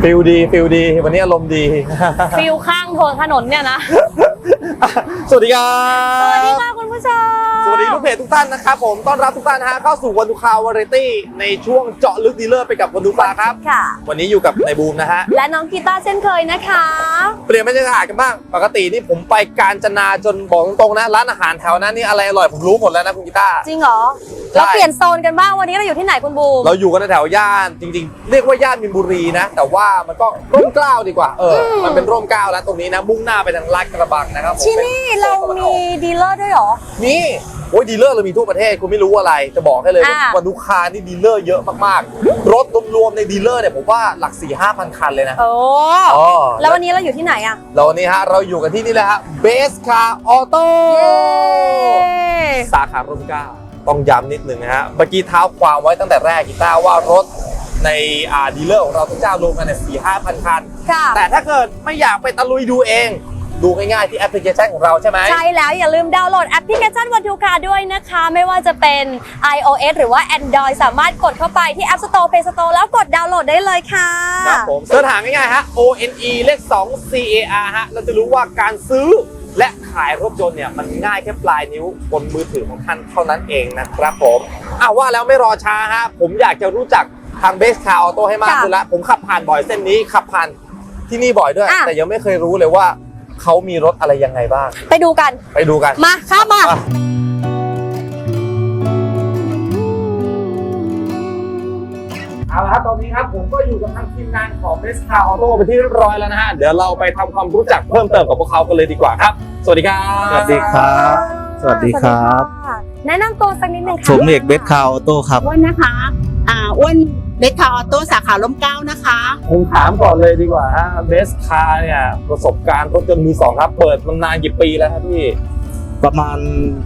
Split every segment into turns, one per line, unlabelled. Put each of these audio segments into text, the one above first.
ฟิลดีวันนี้อารมณ์ดี
ฟิลข้างถนนเนี่ยนะ
สวัสดีครับ
สวัสดีค่ะคุณผู้ชม
สวัสดีลูกเพจทุกท่านนะครับผมต้อนรับทุกท่านนะฮะเข้าสู่วันดูคาววาไรตี้ในช่วงเจาะลึกดีลเลอร์ไปกับวันดูคาครับ
ค่ะ
วันนี้อยู่กับนายบูมนะฮะ
และน้องกีตาร์เช่นเคยนะคะ
เปลี่ยนบรรยากาศกันบ้างปกตินี่ผมไปกาญจนาจนบอกตรงๆนะร้านอาหารแถวนั้นนี่อะไรอร่อยผมรู้หมดแล้วนะคุณกีตาร์
จริงเหรอ
ใช่
เราเปลี่ยนโซนกันบ้างวันนี้เราอยู่ที่ไหนคุณบูม
เราอยู่กันในแถวย่านจริงๆ เรียกว่าย่านมินบุรีนะแต่ว่ามันก็ร่มเกล้าดีกว่ามันเป็นร่มเกล้าแล้วตรงนี้นะมุ่งหน้าไปทางลาดกระบังนะครับผม
ที่นี่เรามีดีลเลอร์ด้วยเหรอ
มีโอ้ยดีลเลอร์เรามีทั่วประเทศคุณไม่รู้อะไรจะบอกให้เลยว่า
อ่า
วันดูคานี่ดีลเลอร์เยอะมากๆรถรวมๆในดีลเลอร์เนี่ยผมว่าหลัก 4-5,000 คันเลยนะ
โอ้
อ๋อ
แล้ววันนี้เราอยู่ที่ไหนอะ
แล้ววันนี้ฮะเราอยู่กันที่นี่เลยฮะเบสคาร์ออโต้
เย้
สาขาร่มเกล้าต้องย้ำนิดนึงนะฮะเมื่อกี้เท้าความไว้ตั้งแต่แรกกีตาร์ว่ารถในดีลเลอร์ของเราทุกเจ้ารวมกันเนี่ย 4-5,000 คัน
ค่ะ
แต่ถ้าเกิดไม่อยากไปตะลุยดูเองดูง่ายๆที่แอปพลิเคชันของเราใช่ไหม
ใช่แล้วอย่าลืมดาวน์โหลดแอปพลิเคชันวันทูคาด้วยนะคะ ไม่ว่าจะเป็น iOS หรือว่า Android สามารถกดเข้าไปที่ App Store Play Store แล้วกดดาวน์โหลดได้เลยค่ะ
ครับผมเสิร์ชหาง่ายๆฮะ ONE เลข2 CAR ฮะเราจะรู้ว่าการซื้อและขายรถยนต์เนี่ยมันง่ายแค่ปลายนิ้วบนมือถือของท่านเท่านั้นเองนะครับผมว่าแล้วไม่รอช้าฮะผมอยากจะรู้จักทางเบสคาร์ออโต้ให้มากขึ้นละผมขับผ่านบ่อยเส้นนี้ขับผ่านที่นี่บ่อยด้วย แต่ยังไม่เคยรู้เลยว่าเขามีรถอะไรยังไงบ้าง
ไปดูกัน
ไปดูกัน
มาข้ามมา
เอาละครับตอนนี้ครับผมก็อยู่กับทางทีมงานของ Best Car Auto ไปที่เรียบร้อยแล้วนะฮะเดี๋ยวเราไปทำความรู้จักเพิ่มเติมกับพวกเขากันเลยดีกว่าครับ สวัสดีครับ
สวัสดีครับ สวัสดีครับ
แนะนำตัวสักนิดหนึ่งค่ะ
ผมเอกเบสคาร์ออโต้ครับ
อ้วนนะคะอ้วนเบสคาร์ออโต้สาขาร่มเกล้านะคะ
ผมถามก่อนเลยดีกว่าฮะ Best Car เนี่ยประสบการณ์รถยนต์มือสองครับเปิดมานานกี่ปีแล้วครับพี่
ประมาณ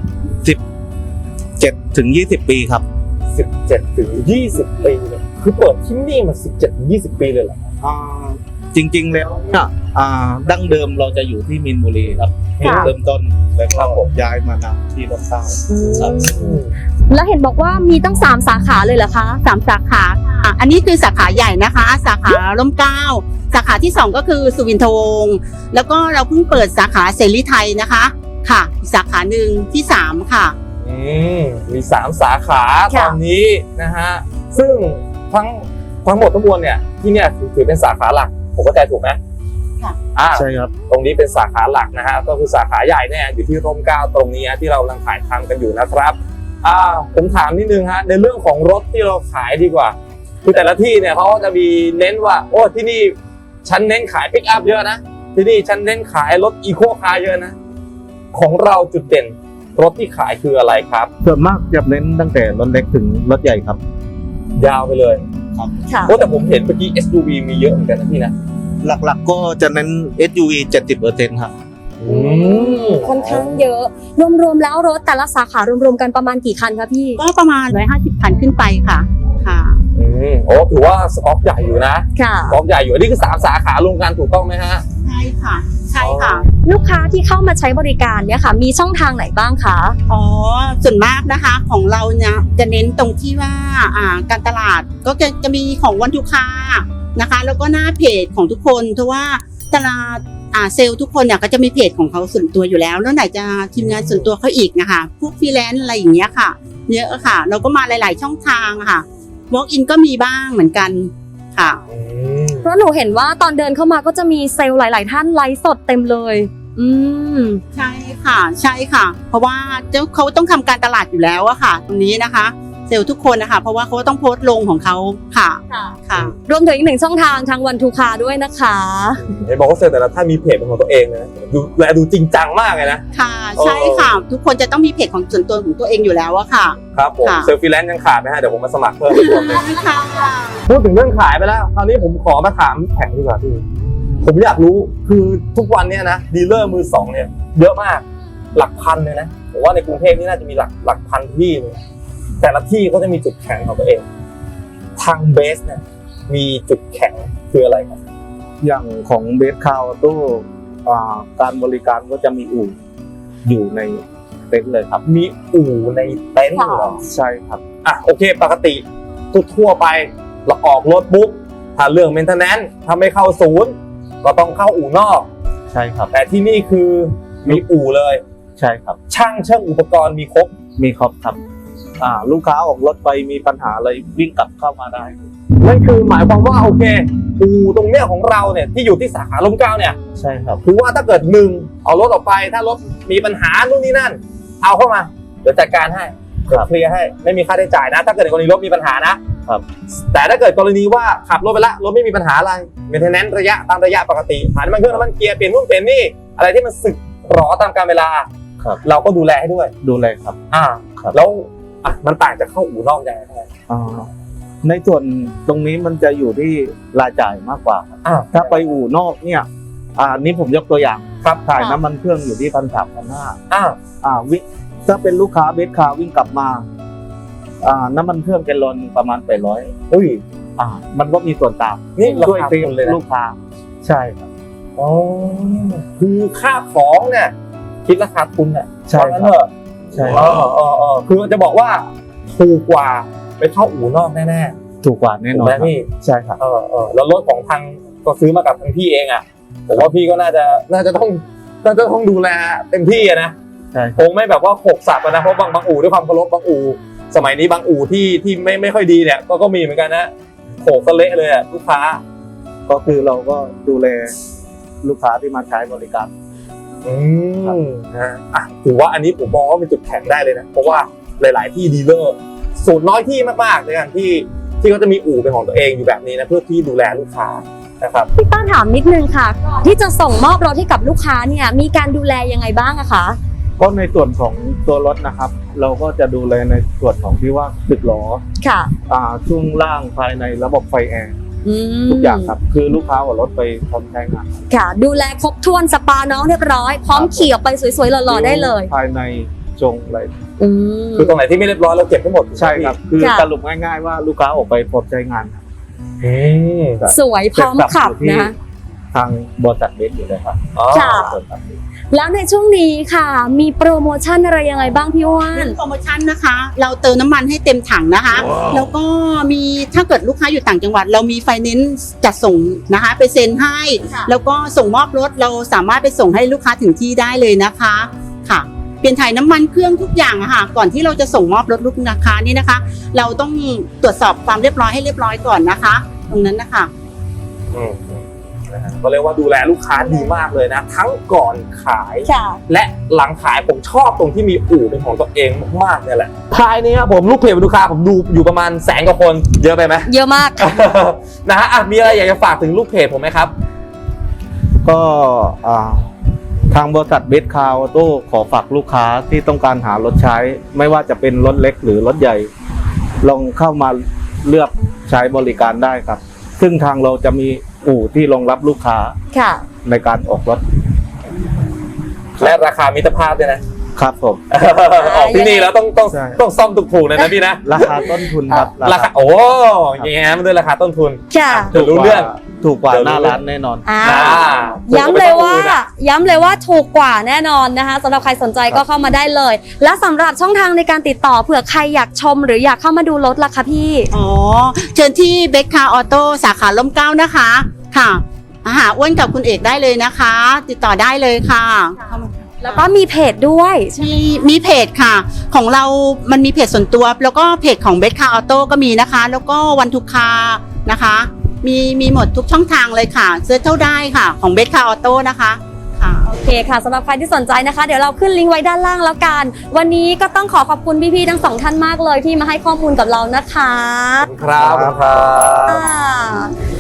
17 ถึง 20 ปีครับ
17 ถึง 20 ปีเลยคือเปิดที่นี่มา 17 ถึง 20 ปีเลยเหรอ
จริงๆแล้วเนี่ยดั้งเดิมเราจะอยู่ที่มินบุรีครับ
ค่ะ
เริ่มต้นแล้วก็ผมย้ายมานำที่ร่มเกล้าครับ
แล้วเห็นบอกว่ามีตั้ง3 สาขาเลยเหรอคะ
3 สาขาค่ะอันนี้คือสาขาใหญ่นะคะ สาขาร่มเกล้าสาขาที่ 2 ก็คือสุวินทวงศ์แล้วก็เราเพิ่งเปิดสาขาเสรีไทยนะคะค่ะอีกสาขาหนึ่งที่ 3 ค่ะ
มี 3 สาขา
ค่ะ
ตอนนี้นะฮะซึ่งทั้งหมดทั้งมวลเนี่ยที่เนี่ยถือเป็นสาขาหลักผมเข้าใจถูกไหม
ค่ะ
ใช่ครับ
ตรงนี้เป็นสาขาหลักนะฮะก็คือสาขาใหญ่เนี่ยอยู่ที่ร่มเกล้าตรงนี้ที่เรากำลังถ่ายทำกันอยู่นะครับผมถามนิดนึงฮะในเรื่องของรถที่เราขายดีกว่าคือแต่ละที่เนี่ยเขาจะมีเน้นว่าโอ้ที่นี่ฉันเน้นขายปิกอัพเยอะนะที่นี่ฉันเน้นขายรถอีโคคาร์เยอะนะของเราจุดเด่นรถที่ขายคืออะไรครับ
ส่วนมากจะเน้นตั้งแต่รถเล็กถึงรถใหญ่ครับ
ยาวไปเลย
ค่ะ
โอ้แต่ผมเห็นเมื่อกี้ SUV มีเยอะเหมือนกันนะพี่นะ
หลักๆก็จะเน้น SUV 70% ครับ
ค่อนข้างเยอะ รวมๆแล้วรถแต่ละสาขารวมๆกันประมาณกี่คันคะพี่
ก็ประมาณ150 คันขึ้นไปค่ะค่ะ
โอ้ถือว่าสต็อกใหญ่อยู่นะ
ค่ะ
สต็อกใหญ่อยู่อันนี้คือ3 สาขารวมกันถูกต้องไหมฮะ
ใช่ค่ะใช่ค่ะ
ลูกค้าที่เข้ามาใช้บริการเนี่ยค่ะ มีช่องทางไหนบ้างคะ
อ๋อส่วนมากนะคะของเราเนี่ยจะเน้นตรงที่ว่าการตลาดก็จะมีของวันทุกค้านะคะ แล้วก็หน้าเพจของทุกคนเพราะว่าตลาดเซลล์ทุกคนเนี่ยก็จะมีเพจของเขาส่วนตัวอยู่แล้วแล้วไหนจะทีมงานส่วนตัวเขาอีกนะคะพวกฟรีแลนซ์อะไรอย่างเงี้ยค่ะเยอะค่ะเราก็มาหลาย ๆ ช่องทางค่ะ walk in ก็มีบ้างเหมือนกันค่ะ
เพราะหนูเห็นว่าตอนเดินเข้ามาก็จะมีเซลล์หลาย ๆ ท่านไลฟ์สดเต็มเลย
ใช่ค่ะใช่ค่ะ เพราะว่าเขาต้องทำการตลาดอยู่แล้วอะค่ะ ตรงนี้นะคะ เซลล์ทุกคนนะคะเพราะว่าเขาต้องโพสต์ลงของเขาค่ะค่ะ
รวมถึงอีก1 ช่องทางทางวันทูคาด้วยนะคะ
เห็นบอกว่าเซลล์แต่ละท่านมีเพจเป็นของตัวเองนะดูจริงจังมากเลยนะ
ค่ะใช่ค่ะ ทุกคนจะต้องมีเพจของส่วนตัวของตัวเองอยู่แล้วอะค่ะ
ครับผม
ค่ะ
เซลล์ฟรีแลนซ์ยังขาดไหมฮะเดี๋ยวผมมาสมัครเพิ่มอีกคนหนึง
ค่ะ
พูดถึงเรื่องขายไปแล้วคราวนี้ผมขอมาถามแข่งดีกว่าพี่ผมอยากรู้คือทุกวันเนี้ยนะดีลเลอร์มือสองเนี่ยเยอะมากหลักพันเลยนะผมว่าในกรุงเทพนี่น่าจะมีหลักพันที่เลยแต่ละที่เขาจะมีจุดแข็งของตัวเองทางเบสเนี่ยมีจุดแข็งคืออะไรครับ
อย่างของเบสคาร์ออโต้การบริการก็จะมีอู่อยู่ในเต็นท์เลยครับ
มีอู่ในเต็นท์เหรอ
ใช่ครับ
โอเคปกติทั่วไปเราออกรถปุ๊บถ้าเรื่อง maintenance ถ้าไม่เข้าศูนย์ก็ต้องเข้าอู่นอก
ใช่ครับ
แต่ที่นี่คือมีอู่เลย
ใช่ครับ
ช่างเชื่อมอุปกรณ์มีครบ
มีครบครับลูกค้าออกรถไปมีปัญหาอะไรวิ่งกลับเข้ามาได้
นั่นคือหมายความว่าโอเคอู่ตรงเนี้ยของเราเนี่ยที่อยู่ที่สาขาร่มเกล้าเนี่ย
ใช่ครับ
คือว่าถ้าเกิดหนึ่งเอารถออกไปถ้ารถมีปัญหานู่นนี่นั่น เอาเข้ามาเดี๋ยวจัดการให้เดี๋ยวเคลียร์ให้ไม่มีค่าใช้จ่ายนะ ถ้าเกิดในกรณีรถมีปัญหานะครับ แต่ถ้าเกิดกรณีว่าขับรถไปละรถไม่มีปัญหาอะไรเมนเทนแนนซ์ระยะตามระยะปกติผ่านน้ำมันเครื่องน้ำมันเกียร์เปลี่ยนนู่นเปลี่ยนนี่อะไรที่มันสึกหรอตามกาลเวลา
ครับ
เราก็ดูแลให้ด้วย
ดูแลครับ ครับ
แล้วมันต่างจากเข้าอู่นอกยังไงครับ
ในส่วนตรงนี้มันจะอยู่ที่รายจ่ายมากกว่าครับถ้าไปอู่นอกเนี่ยนี่ผมยกตัวอย่าง
ครับ
ถ่ายน้ำมันเครื่องอยู่ที่1,300-1,500วิ่งถ้าเป็นลูกค้าเบสคาร์วิ่งกลับมาน้ำมันเครื่องแกลลอนประมาณ800
อุ้ย
มันก็มีส่วนต่าง
นี่รา
ช่วย
คา
เซฟ
ทุนเลยนะ
ลูกค้าใช่ครับ
อ๋อคือค่าของเนี่ยคิดราคาทุนเนี่ย
ใช่
เพราะงั้น
ค
เถ
รับ
อะ
ใช่
คือจะบอกว่าถูกกว่าไปเข้าอู่นอกแน่
ถูกกว่าแน่
ๆ
น
ถู
อก น
ไหม
ครับ
พี่
ใช่ครับ
แล้วรถของทางก็ซื้อมากับทางพี่เองอ่ะผมว่าพี่ก็น่าจะต้องดูแลเต็มที่อะนะ
ใช่
คงไม่แบบว่าโขกสับอะนะเพราะบางอู่ด้วยความเคารพบางอู่สมัยนี้บางอู่ที่ไม่ค่อยดีเนี่ยก็มีเหมือนกันนะโขกซะเละเลยอะลูกค้า
ก็คือเราก็ดูแลลูกค้าที่มาใช้บริการ
ถือว่าอันนี้ผมมองว่าเป็นจุดแข็งได้เลยนะเพราะว่าหลาย ๆ ที่ดีลเลอร์สูตรน้อยที่มากๆในการที่เขาจะมีอู่เป็นของตัวเองอยู่แบบนี้นะเพื่อที่ดูแลลูกค้านะครับ
พี่ต้าถามนิดนึงค่ะ ที่จะส่งมอบรถให้กับลูกค้าเนี่ยมีการดูแลยังไงบ้างอะคะ
ก็ในส่วนของตัวรถนะครับ เราก็จะดูแลในส่วนของที่ว่าสึกล้อ
ค่ะ
ช่วงล่างภายในระบบไฟแอร์
ม
ทุกอย่างครับคือลูกค้าเอารถไปพร้อมใช้งาน
ค่ะ ดูแลครบถ้วนสปาน้องเรียบร้อยพร้อมขี่ออกไปสวยๆหล่อๆได้เลย
ภายในจงอะไร
อืม
คือตรงไหนที่ไม่เรียบร้อยเราเก็บทั้งหมด
ใช่ครับ คือ
ค่ะ
สรุปง่ายๆว่าลูกค้าออกไปพร้อมใช้งานครับ
สวยพร้อมขับนะคะ
ทางบริษัทเบสอยู่เลยครับ
ค่ะ แล้วในช่วงนี้ค่ะ มีโปรโมชั่นอะไรยังไงบ้างพี่ว่าน
โปรโมชั่นนะคะ เราเติมน้ำมันให้เต็มถังนะคะ แล้วก็มีถ้าเกิดลูกค้าอยู่ต่างจังหวัด เรามีไฟแนนซ์จัดส่งนะคะไปเซ็นให้ แล้วก็ส่งมอบรถเราสามารถไปส่งให้ลูกค้าถึงที่ได้เลยนะคะค่ะ เปลี่ยนถ่ายน้ำมันเครื่องทุกอย่างอะค่ะก่อนที่เราจะส่งมอบรถลูกค้านี่นะคะ เราต้องตรวจสอบความเรียบร้อยให้เรียบร้อยก่อนนะคะ ตรงนั้นนะคะ
ก็เรียกว่าดูแลลูกค้าดีมากเลยนะทั้งก่อนขาย
ค่ะ
และหลังขายผมชอบตรงที่มีอู่เป็นของตัวเองมากๆเนี่ยแหละภายนี้ครับผมลูกเพจลูกค้าผมดูอยู่ประมาณ100,000 กว่าคนเยอะไปไหม
เยอะมาก
นะฮะมีอะไรอยากจะฝากถึงลูกเพจผมไหมครับ
ก็ทางบริษัทเบสคาร์ออโต้ขอฝากลูกค้าที่ต้องการหารถใช้ ไม่ว่าจะเป็นรถเล็กหรือรถใหญ่ ลองเข้ามาเลือกใช้บริการได้ครับ ซึ่งทางเราจะมีอู่ที่รองรับลูกค้า
ค่ะ
ในการออกรถ
และราคามิตรภาพด้วยนะครับ
ผม
ออกที่นี่แล้วต้อง
ใช่
ซ่อมถูกๆเลยนะพี่นะ
ราคาต้นทุนครับ
ราคาโอ้ยางงี้มันด้วยราคาต้นทุน
ค่ะ
เดี๋ยวรู้เรื่อง
ถูกกว่า
เดี๋ยว
ห
รู้
น้า
เรื่อง
ร้านแน่นอน
ย้ำเลยว่าถูกกว่าแน่นอนนะคะสำหรับใครสนใจก็เข้ามาได้เลย และสำหรับช่องทางในการติดต่อเผื่อใครอยากชมหรืออยากเข้ามาดูรถล่ะคะพี่
อ๋อเชิญที่เบคคาร์ออโต้สาขาร่มเกล้านะคะค่ะหาอ้วนกับคุณเอกได้เลยนะคะ ติดต่อได้เลยค่ะ
แล้วก็มีเพจด้วย
มีเพจค่ะ ของเรามันมีเพจส่วนตัว แล้วก็เพจของเบคคาร์ออโต้ก็มีนะคะ แล้วก็วันทุกคานะคะ มีหมดทุกช่องทางเลยค่ะเซิร์ชเท่าได้ค่ะของเบคคาร์ออโต้นะคะค่ะ
โอเคค่ะสำหรับใครที่สนใจนะคะ เดี๋ยวเราขึ้นลิงก์ไว้ด้านล่างแล้วกัน วันนี้ก็ต้องขอขอบคุณพี่ๆทั้งสองท่านมากเลยที่มาให้ข้อมูลกับเรานะคะ
ครับ
อ่า